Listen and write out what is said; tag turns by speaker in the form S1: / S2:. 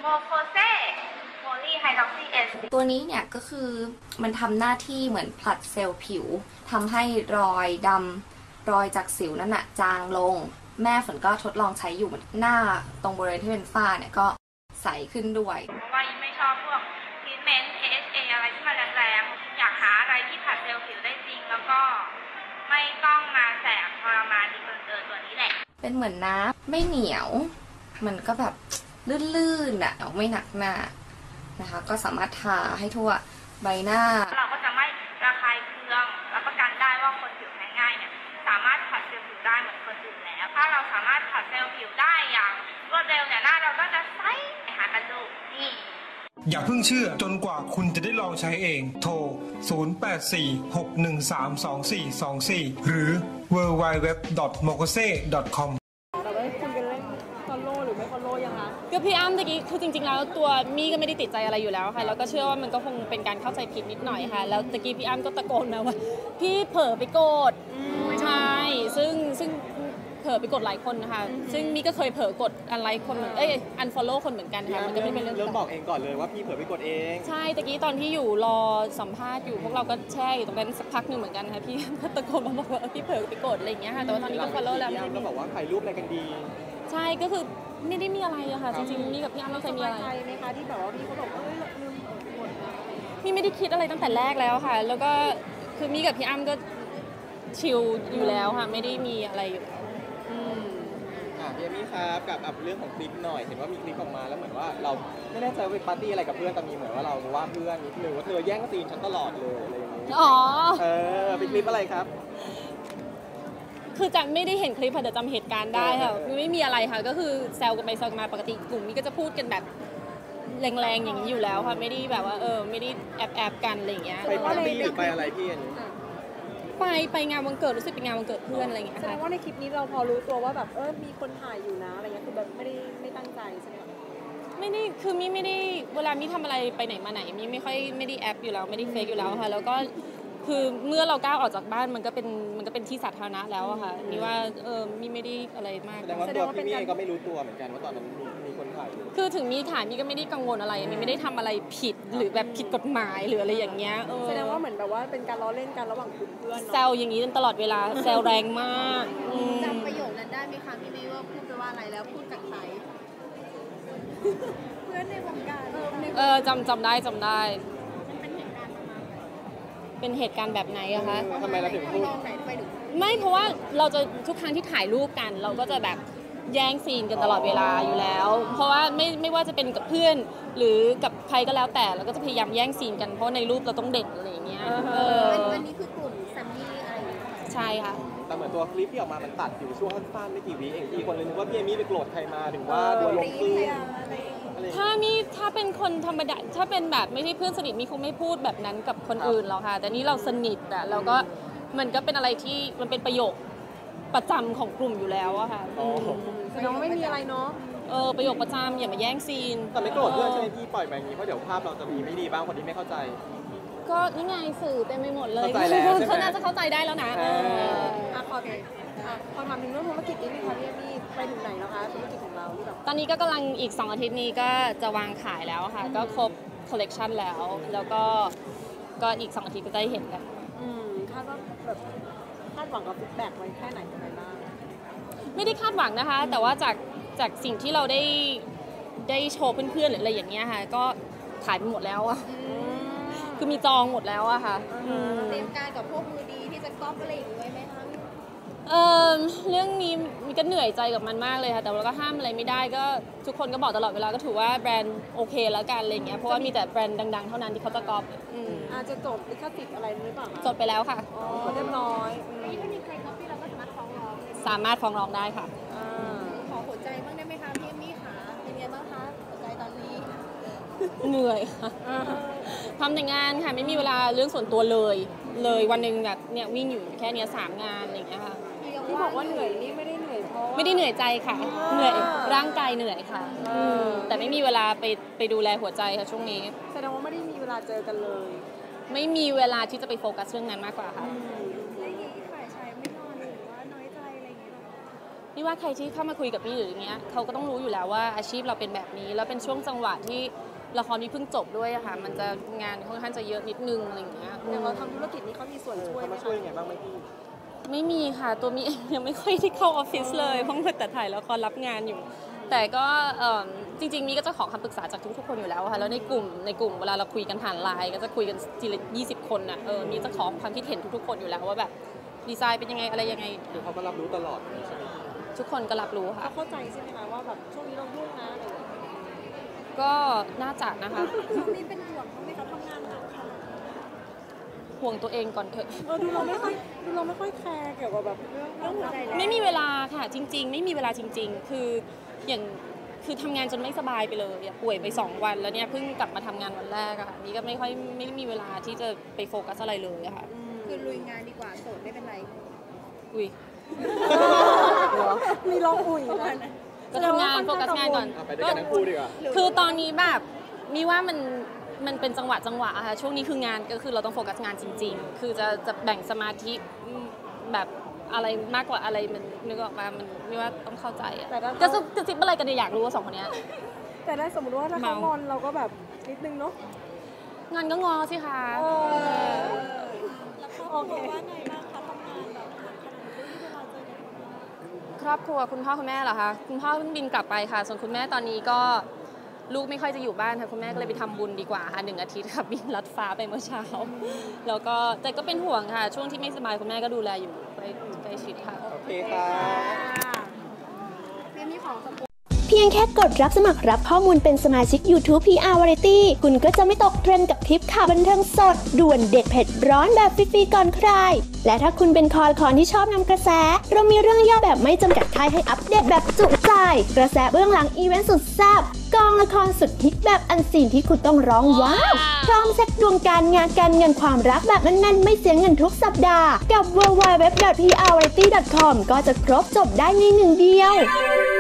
S1: โมโคเซโพลีไฮดรอกซีเอส
S2: ตัวนี้เนี่ยก็คือมันทำหน้าที่เหมือนผลัดเซลล์ผิวทำให้รอยดำรอยจากสิวนั่นน่ะจางลงแม่ฝนก็ทดลองใช้อยู่หน้าตรงบริเวณที่เป็นฝ้าเนี่ยก็ใสขึ้นด้วย
S1: เพราะว่ายิ่งไม่ชอบพวกทรีทเมนต์ AHA อะไรที่มันแรงๆอยากหาอะไรที่ผลัดเซลล์ผิวได้จริงแล้วก็ไม่ต้องมาแสบทรมานดีเกินตัวนี้แหละ
S2: เป็นเหมือนน้ำไม่เหนียวมันก็แบบลื่นๆอ่ะไม่หนักหน้านะคะก็สามารถทาให้ทั่วใบหน้า
S1: เราก็จะไม่ระคายเคืองรับประกันได้ว่าคนผิวแพ้ง่ายเนี่ยสามารถผัดเซลล์ผิวได้เหมือนคนอื่นแล้วถ้าเราสามารถผัดเซลล์ผิวได้อย่างรวดเร็วเนี่ยหน้าเราก็จะใสหากันดูนี่
S3: อย่าเพิ่งเชื่อจนกว่าคุณจะได้ลองใช้เองโทร 0846132424 หรือ www.mokose.com
S4: ก็พี่อ้ำตะกี้คือจริงๆแล้วตัวมี่ก็ไม่ได้ติดใจอะไรอยู่แล้วค่ะแล้วก็เชื่อว่ามันก็คงเป็นการเข้าใจผิดนิดหน่อยค่ะแล้วตะกี้พี่อ้ำก็ตะโกนมาว่าพี่เผลอไปกดใช่ซึ่งเผลอไปกดหลายคนนะคะซึ่งมี่ก็เคยเผลอกดอันไลค์คนเหมือนอันฟอลโล่คนเหมือนกันค่ะมันก็ไม่เป็นเรื่อง
S5: บอกเองก่อนเลยว่าพี่เผลอไปกดเอง
S4: ใช่ตะกี้ตอนที่อยู่รอสัมภาษณ์อยู่พวกเราก็แช่อยู่ตรงนั้นสักพักหนึ่งเหมือนกันค่ะพี่ก็ตะโกนมาบอกว่าพี่เผลอไปกดอะไรอย่างเงี้ยค่ะแต่ว่าตอนนี้ก็ฟอลโล่แล้ว
S5: พี่อ้ำก็บอกว่าถ่ายรูปอะไรกันดี
S4: ใช่ก็คือไม่ได้มีอะไรอะค่ะจริงๆมี่กับพี่อ้ำไม่เคยมีอะไร
S6: ใช่ไหมคะที่แบบว่าพี่เขาบอกลืมกด
S4: มี่ไม่ได้คิดอะไรตั้งแต่แรกแล้วค่ะแล้วก็คือมี่กับพี่อ้ำก็ชิลอยู่แล้วค่ะไม่ได้มีอะไรอยู่แล้ว
S5: พี่เอมี่ครับกับเรื่องของคลิปหน่อยเห็นว่ามีคลิปออกมาแล้วเหมือนว่าเราไม่แน่ใจว่าไปปาร์ตี้อะไรกับเพื่อนแต่มีเหมือนว่าเราว่าเพื่อนนิดนึงว่าเธอแย่งซีนฉันตลอดเลยอะไรอย่างนี้เป็นคลิปอะไรครับ
S4: คือจำไม่ได้เห็นคลิปค่ะแต่จำเหตุการณ์ได้ค่ะไม่มีอะไรค่ะก็คือแซวกันไปแซวกันมาปกติกลุ่มนี้ก็จะพูดกันแบบแรงๆอย่างนี้อยู่แล้วค่ะไม่ได้แบบว่าไม่ได้แอบกันอะไรอย่างเงี้ย
S5: ไปปาร์ตี้หรือไปอะไรพี่อันนี้
S4: ไปงานวันเกิดรู้สึกเป็นงานวันเกิดเพื่อนอะไรอย่างเงี้ย
S6: แสดงว่าในคลิปนี้เราพอรู้ตัวว่าแบบมีคนถ่ายอยู่นะอะไรเงี้ยคือแบบไม่ตั้งใจใช่ไหม
S4: ไม่ได้คือมี่ไม่ได้เวลามี่ทำอะไรไปไหนมาไหนมี่ไม่ค่อยไม่ได้แอปอยู่แล้วไม่ได้เฟกอยู่แล้วค่ะแล้วก็คือเมื่อเราก้าวออกจากบ้านมันก็เป็นที่สาธารณะแล้วอะค่ะนี่ว่ามี่ไม่ได้อะไรมาก
S5: แสดงว่าพี่มี่ก็ไม่รู้ตัวเหมือนกันว่าตอนนั้นมีคนถ่าย
S4: คือถึงมีถ่ายมี่ก็ไม่ได้กังวลอะไรมี่ไม่ได้ทำอะไรผิดหรือแบบผิดกฎหมายหรืออะไรอย่างเงี้ย
S6: แสดงว่าเหมือนแบบว่าเป็นการล้อเล่นกันระหว่างกลุ่มเพื่อน
S4: แซวอย่างนี้ตลอดเวลาแซวแรงมาก
S6: จำประโยคนั้นได้ไหมคะพี่มี่ว่าพูดไปว่าอะไรแล้วพูดกับใครเพื่อนในวงการ
S4: จำได้เป็นเหตุการณ์แบบไหนอะคะ
S5: ทำไมเราถึงพูด
S4: ไม่เพราะว่าเราจะทุกครั้งที่ถ่ายรูปกันเราก็จะแบบแย่งซีนกันตลอดเวลาอยู่แล้วเพราะว่าไม่ว่าจะเป็นกับเพื่อนหรือกับใครก็แล้วแต่เราก็จะพยายามแย่งซีนกันเพราะในรูปเราต้องเด่นอะไรอย่างเงี้ย
S6: วันนี้คือกลุ่มแซมมี่อะไร
S4: ใช่ค่ะ
S5: แต่เหมือนตัวคลิปที่ออกมามันตัดอยู่ช่วงสั้นๆไม่กี่วิเองที่คนเลยนึกว่าพี่เอมี่ไปโกรธใครมาถึงว่าตัวลงซีน
S4: ถ้าเป็นคนธรรมดาถ้าเป็นแบบไม่ใช่เพื่อนสนิทมีคงไม่พูดแบบนั้นกับคนอื่นหรอกค่ะแต่นี่เราสนิทอะเราก็มันก็เป็นอะไรที่มันเป็นประโยคประจำของกลุ่มอยู่แล้วอะค่ะ
S6: แสดงว่าไม่มีอะไรเนาะ
S4: ประโยคประจำอย่ามาแย่งซีน
S5: แต่ไม่โกรธเพื่อนใช่ไหมพี่ปล่อยไปอย่างนี้เพราะเดี๋ยวภาพเราจะมีไม่ดีบ้างคนที่ไม่เข้าใจ
S4: ก็นี่ไงสื่อเต็มไปหมดเลย
S5: เขา
S4: น่าจะเข้าใจได้แล้วนะ
S6: ขอถามถึงเรื่องธุรกิจนี้ค่ะพี่เอมี่ไปถึงไหนแล้วคะธุรกิจของเราที่แบบ
S4: ตอนนี้ก็กำลังอีก2 อาทิตย์นี้ก็จะวางขายแล้วค่ะก็ครบคอลเลกชันแล้วก็อีก2 อาทิตย์ก็จะได้เห็นกัน
S6: คาดว่าแบบคาดหวังกับฟีดแบ็กไว้แค่ไหนยังไงบ้าง
S4: ไม่ได้คาดหวังนะคะแต่ว่าจากสิ่งที่เราได้โชว์เพื่อนๆหรืออะไรอย่างเงี้ยค่ะก็ขายไปหมดแล้วอะคือมีจองหมดแล้วอะค่ะ
S6: เตรียมการกับพวกมือดีที่จะก๊อปอะไรอย่างเงี้ยไหมคะ
S4: เรื่องนี้มีก็เหนื่อยใจกับมันมากเลยค่ะแต่เราก็ห้ามอะไรไม่ได้ก็ทุกคนก็บอกตลอดเวลาก็ถือว่าแบรนด์โอเคแล้วกันอะไรเงี้ยเพราะว่ามีแต่แบรนด์ดังๆเท่านั้นที่เขาจะก๊อป
S6: อาจจะจดลิขสิทธิ์อะไรหรือเปล่า
S4: จดไปแล้วค่ะ
S6: เรียบร้อย
S4: ถ้ามีใครก๊อปปี้เราก็สามารถฟ้องร้องได้ค่ะ
S6: ขอหัวใจบ้างได้ไหมคะพี่เอมี่ค่ะเป็นไงบ้างคะหัวใจตอนนี้
S4: เหนื่อยค่ะทำแต่งานค่ะไม่มีเวลาเรื่องส่วนตัวเลยวันหนึ่งแบบเนี่ยวิ่งอยู่แค่นี้3 งานอะไรอย่างเงี้ยค่ะ
S6: ที่บอกว่าเหนื่อยนี่ไม่ได้เหนื่อยเพราะ
S4: ไม่ได้เหนื่อยใจค่ะเหนื่อยร่างกายเหนื่อยค่ะแต่ไม่มีเวลาไปดูแลหัวใจค่ะช่วงนี้
S6: แสดงว่าไม่ได้มีเวลาเจอกันเลย
S4: ไม่มีเวลาที่จะไปโฟกัสเรื่องนั้นมากกว่าค่ะ
S6: ฝ่ายชายไม่นอนหรือว่าน้อยใจอะไรอย่างเงี้ย
S4: นี่ว่าใครที่เข้ามาคุยกับพี่หรืออย่างเงี้ยเขาก็ต้องรู้อยู่แล้วว่าอาชีพเราเป็นแบบนี้แล้วเป็นช่วงจังหวะที่ละครนี้เพิ่งจบด้วยอะค่ะมันจะงานค่อนข้างจะเยอะนิดนึงอะไรอย่างเงี้ย
S6: อย่างเราทำธุรกิจนี้เขามีส่วนช่วย
S5: เขา
S6: ไหม
S5: มาช่วยยังไงบ้างไหมพี่
S4: ไม่มีค่ะตัวมีเองยังไม่ค่อยได้เข้าออฟฟิศเลยเพราะมัวแต่ถ่ายละครรับงานอยู่ แต่ก็จริงๆมีก็จะขอคำปรึกษาจากทุกๆคนอยู่แล้วค่ะแล้วในกลุ่มเวลาเราคุยกันผ่านไลน์ก็จะคุยกันทีละ20 คนน่ะมีจะขอความคิดเห็นทุกๆคนอยู่แล้วว่าแบบดีไซน์เป็นยังไงอะไรยังไง
S5: คือเขาก็รับรู้ตลอดใช่ไหม
S4: ทุกคนก็รับรู้ค่ะ
S6: เขาเข้าใจใช่ไหมคะว่าแบบช่วงนี้เรายุ่งนะอะไรอย่างเงี้ย
S4: ก็น่าจะนะคะ
S6: ช่วงนี้เป็นห่วงเขาไหมคะทำงานหนักค่ะ
S4: ห่วงตัวเองก่อนเถอะ
S6: ดูเราไม่ค่อยแคร์เกี่ยวกับแบบเรื่องหัวใจแล้ว
S4: ไม่มีเวลาค่ะจริง ๆ ไม่มีเวลาจริง ๆ คือคือทำงานจนไม่สบายไปเลยอะป่วยไป2 วันแล้วเนี่ยเพิ่งกลับมาทำงานวันแรกอะค่ะนี่ก็ไม่มีเวลาที่จะไปโฟกัสอะไรเลยอะค่ะ
S6: คือลุยงานดีกว่าโสดไม่เป็นไร
S4: อุ้ย
S6: มีร้องอุ่ยนะ
S4: ก็ทำงานโฟกัสงานก่อน
S5: ไปด้วยกันทั้งคู่ดีกว่า
S4: คือตอนนี้แบบมีว่ามันเป็นจังหวะอะค่ะช่วงนี้คืองานก็คือเราต้องโฟกัสงานจริง ๆ คือจะแบ่งสมาธิแบบอะไรมากกว่าอะไรมันนึกออกมามันไม่ว่าต้องเข้าใจอะจะซิบอะไรกันเนี่ยอยากรู้ว่า2 คนเนี้ย
S6: แต่ได้สมมติว่าถ้าเขางอนเราก็แบบนิดนึงเนาะ
S4: งอนก็งอสิคะ
S6: โอเค
S4: ครอบครัวคุณพ่อคุณแม่เหรอคะคุณพ่อเพิ่งบินกลับไปค่ะส่วนคุณแม่ตอนนี้ก็ลูกไม่ค่อยจะอยู่บ้านค่ะคุณแม่ก็เลยไปทำบุญดีกว่าค่ะ1 อาทิตย์ค่ะบินลัดฟ้าไปเมื่อเช้าแล้วก็แต่ก็เป็นห่วงค่ะช่วงที่ไม่สบายคุณแม่ก็ดูแลอยู่ใกล้ชิดค่ะ
S5: โอเคค่ะ
S7: เพียงแค่กดรับสมัครรับข้อมูลเป็นสมาชิก YouTube PR Variety คุณก็จะไม่ตกเทรนด์กับทริปข่าวบันเทิงสด ด่วนเด็ดเผ็ดร้อนแบบฟรีๆก่อนใคร และถ้าคุณเป็นคอละคอนที่ชอบนำกระแส เรามีเรื่องย่อแบบไม่จำกัดท้ายให้อัปเดตแบบจุใจ กระแสเบื้องหลังอีเวนต์สุดแซ่บกองละครสุดฮิตแบบอันซีนที่คุณต้องร้องว้าวพร้อมเซ็ตดวงการงานการเงินความรักแบบแน่นๆไม่เสียเงินทุกสัปดาห์กับ www.prvariety.com ก็จะครบจบได้ในหนึ่งเดียว